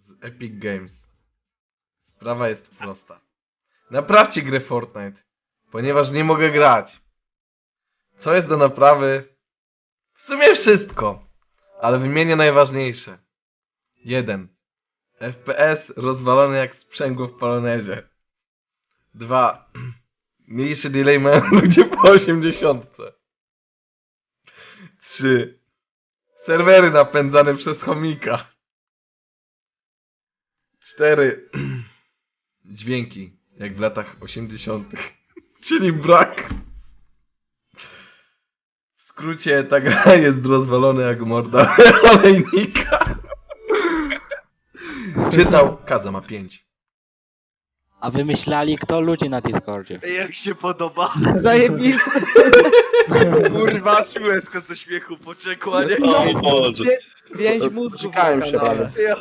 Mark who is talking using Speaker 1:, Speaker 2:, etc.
Speaker 1: z Epic Games. Sprawa jest prosta. Naprawcie grę Fortnite, ponieważ nie mogę grać. Co jest do naprawy? W sumie wszystko, ale wymienię najważniejsze. 1. FPS rozwalony jak sprzęgło w polonezie. 2. Mniejszy delay mają ludzie po 80. 3. Serwery napędzane przez chomika. 4. Dźwięki, jak w latach 80. Czyli brak. W skrócie, ta gra jest rozwalona jak morda olejnika. Czytał, Kaza ma 5.
Speaker 2: A wymyślali kto? Ludzi na Discordzie.
Speaker 3: Jak się podoba?
Speaker 4: Zajebisty.
Speaker 3: Kurwa, aż łezka ze śmiechu poczekła, nie?
Speaker 5: O Boże.
Speaker 4: Więź mózgu
Speaker 5: Czekałem
Speaker 4: na
Speaker 5: się,
Speaker 4: kanale.
Speaker 5: panie.